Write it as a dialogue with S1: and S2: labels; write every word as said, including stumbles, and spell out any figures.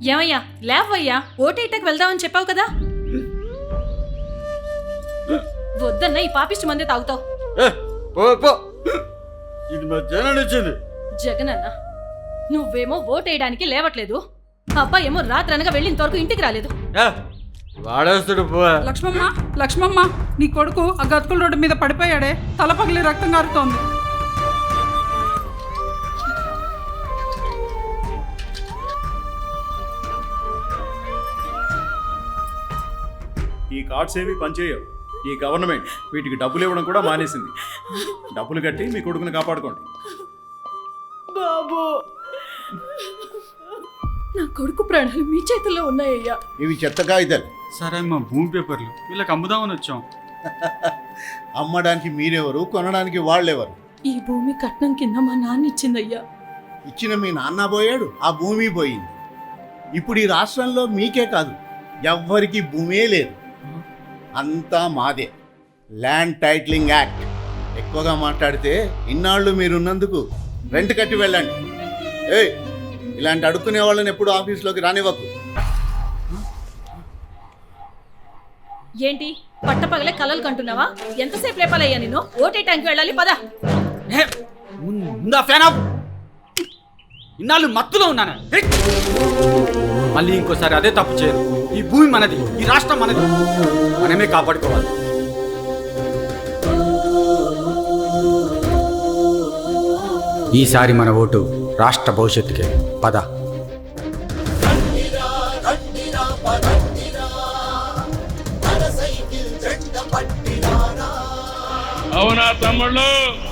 S1: ఏమయ్యా లేవయ్యా, ఓటేటకు వెళ్దామని చెప్పావు కదా. వద్దన్న ఈ పాపిష్టి మందే తాగుతావు.
S2: ఇది మా జగన్ ఇచ్చింది.
S1: జగనన్న నువ్వేమో ఓటేయడానికి లేవట్లేదు, అబ్బాయి ఏమో రాత్రనగా వెళ్ళిన వరకు ఇంటికి రాలేదు.
S2: వాడేస్తాడు పో.
S3: లక్ష్మమ్మ లక్ష్మమ్మ నీ కొడుకు ఆ గతుకుల రోడ్డు మీద పడిపోయాడే, తల పగిలి రక్తం కారుతోంది.
S4: ఈ కార్డ్స్ ఏవి పనిచేయవు. ఈ గవర్నమెంట్ వీటికి డబ్బులు ఇవ్వడం కూడా మానేసింది. డబ్బులు కట్టి మీ కొడుకుని కాపాడుకోండి.
S1: బాబు, నా కొడుకు ప్రాణాలు మీ చేతుల్లో ఉన్నాయ్యా.
S5: ఇవి చెత్త కాగితాలు.
S2: సరే మా భూమి పేపర్లు వీళ్ళకి అమ్ముదామని వచ్చాం.
S5: అమ్మడానికి మీరెవరు, కొనడానికి వాళ్ళెవరు?
S1: ఈ భూమి కట్నం కింద మా నాన్న ఇచ్చిందయ్యా.
S5: ఇచ్చిన మీ నాన్న పోయాడు, ఆ భూమి పోయింది. ఇప్పుడు ఈ రాష్ట్రంలో మీకే కాదు, ఎవ్వరికి భూమే లేదు, అంతా మాదే. Land titling act. ఎక్కువగా మాట్లాడితే ఇన్నాళ్ళు మీరున్నందుకు రెంట్ కట్టి వెళ్ళండి. ఏయ్, ఇలాంటి అడుక్కునే వాళ్ళని ఎప్పుడు ఆఫీస్లోకి రానివ్వకు.
S1: ఏంటి పట్టపగలే కలలు కంటున్నావా? ఎంతసేపు లేపాలయ్యా నిన్ను? ఓటేటానికి వెళ్ళాలి, పద.
S2: ముందా ఫ్యాన్ ఆఫ్. ఇన్నాళ్ళు మత్తులో ఉన్నాను. మళ్ళీ ఇంకోసారి అదే తప్పు చేయరు. ఈ భూమి మనది, ఈ రాష్ట్రం మనది, మనమే కాపాడుకోవాలి. ఈసారి మన ఓటు రాష్ట్ర భవిష్యత్తుకే. పద.
S6: అవునా తమ్ముళ్ళు?